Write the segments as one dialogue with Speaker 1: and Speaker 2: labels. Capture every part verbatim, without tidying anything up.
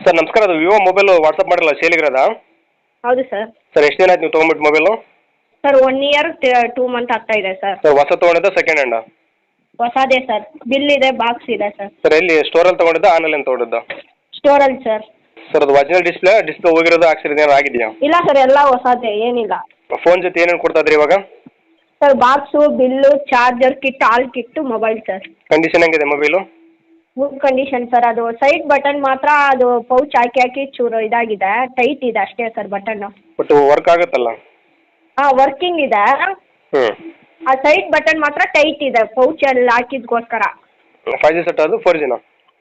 Speaker 1: Sir ನಮಸ್ಕಾರ, ಅದು Vivo mobile WhatsApp ಮಾಡಿಲ್ಲ ಸೇಲಿಗಿರೋದಾ?
Speaker 2: ಹೌದು ಸರ್.
Speaker 1: ಸರ್ ಎಷ್ಟು ದಿನ ಆಯ್ತು ನೀವು ತೊಗೊಂಬಿಟ್ಟು mobile?
Speaker 2: Sir one year two month ಆಗ್ತಾ ಇದೆ ಸರ್.
Speaker 1: ಸರ್ ಹೊಸ ತೊಗೊಂಡಿದ್ದ ಸೆಕೆಂಡ್ ಹ್ಯಾಂಡ?
Speaker 2: ಹೊಸದೇ ಸರ್. ಬಿಲ್ ಇದೆ, ಬಾಕ್ಸ್ ಇದೆ ಸರ್.
Speaker 1: ಸರ್ ಎಲ್ಲಿ ಸ್ಟೋರಲ್ಲಿ ತೊಗೊಂಡಿದ್ದ ಆನ್ಲೈನ್ ತೊಗೊಂಡಿದ್ದ?
Speaker 2: ಸ್ಟೋರಲ್ಲಿ ಸರ್.
Speaker 1: ಸರ್ ಅದು ಒರಿಜಿನಲ್ ಡಿಸ್ಪ್ಲೇ ಡಿಸ್ಪ್ಲೇ ಹೋಗಿರೋದು ಹಾಕ್ಸಿರೋದು ಏನಾರು ಆಗಿದೆಯಾ?
Speaker 2: ಇಲ್ಲ ಸರ್, ಎಲ್ಲ ಹೊಸದೇ, ಏನಿಲ್ಲ.
Speaker 1: ಫೋನ್ ಜೊತೆ ಏನೇನು ಕೊಡ್ತಾ ಇದ್ರಿ ಇವಾಗ?
Speaker 2: Sir box, bill, charger kit, all kit, mobile sir.
Speaker 1: Condition ಹೆಂಗಿದೆ ಮೊಬೈಲು?
Speaker 2: Good condition sir. ಅದು ಸೈಡ್ ಬಟನ್ ಮಾತ್ರ ಅದು ಪೌಚ್ ಹಾಕಿ ಹಾಕಿ ಚೂರು ಇದಾಗಿದೆ, ಟೈಟ್ ಇದೆ ಅಷ್ಟೇ ಸರ್ ಬಟನ್ನು.
Speaker 1: ಬಟ್ ವರ್ಕ್ ಆಗುತ್ತಲ್ಲ?
Speaker 2: ಹಾಂ, ವರ್ಕಿಂಗ್ ಇದೆ.
Speaker 1: ಹ್ಞೂ.
Speaker 2: ಆ ಸೈಡ್ ಬಟನ್ ಮಾತ್ರ ಟೈಟ್ ಇದೆ, ಪೌಚಲ್ಲಿ ಹಾಕಿದ್ಕೋಸ್ಕರ.
Speaker 1: ಫೈವ್ ಜಿ ಸೆಟ್ ಅದು ಫೋರ್ ಜಿನ?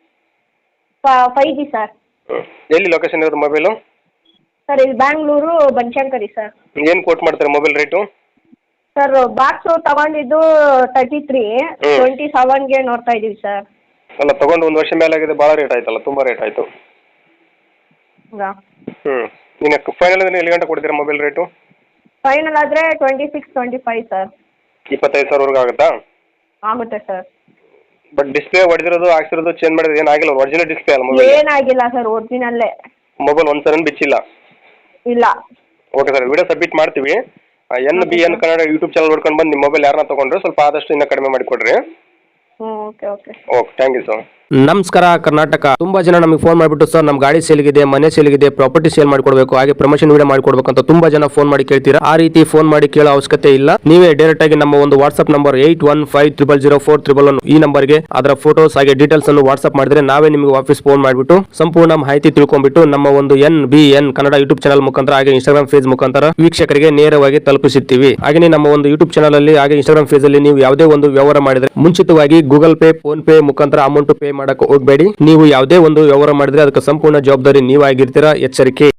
Speaker 2: Five G sir.
Speaker 1: ಹ್ಞೂ. ಎಲ್ಲಿ ಲೊಕೇಶನ್ ಇರೋದು ಮೊಬೈಲು?
Speaker 2: ಸರ್ ಇಲ್ಲಿ ಬ್ಯಾಂಗ್ಳೂರು ಬನಶಂಕರಿ ಸರ್.
Speaker 1: ಏನು ಕೋಟ್ ಮಾಡ್ತಾರೆ ಮೊಬೈಲ್ ರೇಟು?
Speaker 2: ಸರ್ ಬಾಕ್ಸು ತಗೊಂಡಿದ್ದು ತರ್ಟಿ ತ್ರೀ
Speaker 1: ಹ್ಮ್.
Speaker 2: ಟ್ವೆಂಟಿ ಸೆವೆನ್ಗೆ ನೋಡ್ತಾ ಇದ್ದೀವಿ ಸರ್.
Speaker 1: ಅಲ್ಲ ತೊಗೊಂಡು ಒಂದು ವರ್ಷ ಮೇಲೆ ಆಗಿದೆ, ಭಾಳ ರೇಟ್ ಆಯ್ತಲ್ಲ, ತುಂಬ ರೇಟ್ ಆಯಿತು.
Speaker 2: ಹೌದಾ?
Speaker 1: ಹ್ಞೂ. ಇನ್ನು ಫೈನಲ್ ಅಂದರೆ ಎಲ್ಲಿ ಗಂಟೆ ಕೊಡ್ತೀರಾ ಮೊಬೈಲ್ ರೇಟು?
Speaker 2: ಫೈನಲ್ ಆದರೆ twenty six twenty five sir.
Speaker 1: ಇಪ್ಪತ್ತೈದು ಸಾವಿರವರೆಗೂ ಆಗುತ್ತಾ?
Speaker 2: ಆಗುತ್ತೆ ಸರ್.
Speaker 1: ಬಟ್ ಡಿಸ್ಪ್ಲೇ ಹೊಡೆದಿರೋದು ಹಾಕ್ಸಿರೋದು ಚೇಂಜ್ ಮಾಡಿದ್ರೆ ಏನಾಗಿಲ್ಲ, ಒರಿಜಿನಲ್ ಡಿಸ್ಪ್ಲೇ ಅಲ್ಲ ಮೊಬೈಲ್?
Speaker 2: ಏನಾಗಿಲ್ಲ ಸರ್, ಒರಿಜಿನಲ್ಲೇ.
Speaker 1: ಮೊಬೈಲ್ ಒಂದು ಸಲ ಬಿಚ್ಚಿಲ್ಲ?
Speaker 2: ಇಲ್ಲ.
Speaker 1: ಓಕೆ ಸರ್, ವಿಡಿಯೋ ಸಬ್ಮಿಟ್ ಮಾಡ್ತೀವಿ. N B N Kannada YouTube channel ನೋಡ್ಕೊಂಡು ಬಂದು ನಿಮ್ಮ ಮೊಬೈಲ್ ಯಾರನ್ನ ತೊಗೊಂಡ್ರೆ ಸ್ವಲ್ಪ ಆದಷ್ಟು ಇನ್ನೂ ಕಡಿಮೆ ಮಾಡಿ ಕೊಡ್ರಿ.
Speaker 2: ಹ್ಞೂ, okay okay.
Speaker 1: Okay, thank you sir.
Speaker 3: ನಮಸ್ಕಾರ ಕರ್ನಾಟಕ. ತುಂಬಾ ಜನ ನಮಗೆ ಫೋನ್ ಮಾಡಿಬಿಟ್ಟು ಸರ್ ನಮ್ಮ ಗಾಡಿ ಸೇಲ್ಗಿದೆ, ಮನೆ ಸೇಲ್ಗಿದೆ, ಪ್ರಾಪರ್ಟಿ ಸೇಲ್ ಮಾಡಿಕೊಡ್ಬೇಕು, ಹಾಗೆ ಪ್ರಮೋಷನ್ ವಿಡಿಯೋ ಮಾಡಿಕೊಡ್ಬೇಕು ಅಂತ ತುಂಬಾ ಜನ ಫೋನ್ ಮಾಡಿ ಕೇಳ್ತೀರಾ. ಆ ರೀತಿ ಫೋನ್ ಮಾಡಿ ಕೇಳೋ ಅವಶ್ಯಕತೆ ಇಲ್ಲ. ನೀವೇ ಡೈರೆಕ್ಟ್ ಆಗಿ ನಮ್ಮ ಒಂದು WhatsApp number eight one five triple zero four triple one ಈ ನಂಬರ್ಗೆ ಅದರ ಫೋಟೋಸ್ ಹಾಗೆ ಡೀಟೇಲ್ಸ್ ಅನ್ನು ವಾಟ್ಸ್ಆಪ್ ಮಾಡಿದ್ರೆ ನಾವೇ ನಿಮಗೆ ವಾಪಸ್ ಫೋನ್ ಮಾಡಿಬಿಟ್ಟು ಸಂಪೂರ್ಣ ಮಾಹಿತಿ ತಿಳ್ಕೊಂಡ್ಬಿಟ್ಟು ನಮ್ಮ ಒಂದು N B N Kannada YouTube channel ಮುಖಾಂತರ ಹಾಗೆ ಇನ್ಸ್ಟಾಗ್ರಾಮ್ ಪೇಜ್ ಮುಖಾಂತರ ವೀಕ್ಷಕರಿಗೆ ನೇರವಾಗಿ ತಲುಪಿಸುತ್ತೀವಿ. ಹಾಗೆ ನಮ್ಮ ಒಂದು ಯೂಟ್ಯೂಬ್ ಚಾನಲ್ ಅಲ್ಲಿ ಹಾಗೆ ಇನ್ಸ್ಟಾಗ್ರಾಮ್ ಪೇಜ್ ಅಲ್ಲಿ ನೀವು ಯಾವುದೇ ಒಂದು ವ್ಯವಹಾರ ಮಾಡಿದ್ರೆ ಮುಂಚಿತವಾಗಿ ಗೂಗಲ್ ಪೇ, ಫೋನ್ ಪೇ ಮುಖಾಂತರ ಅಮೌಂಟ್ ಪೇ ಮಾಡಕ್ಕೆ ಹೋಗಬೇಡಿ. ನೀವು ಯಾವುದೇ ಒಂದು ವ್ಯವಹಾರ ಮಾಡಿದ್ರೆ ಅದಕ್ಕೆ ಸಂಪೂರ್ಣ ಜವಾಬ್ದಾರಿ ನೀವಾಗಿರ್ತೀರಾ, ಎಚ್ಚರಿಕೆ.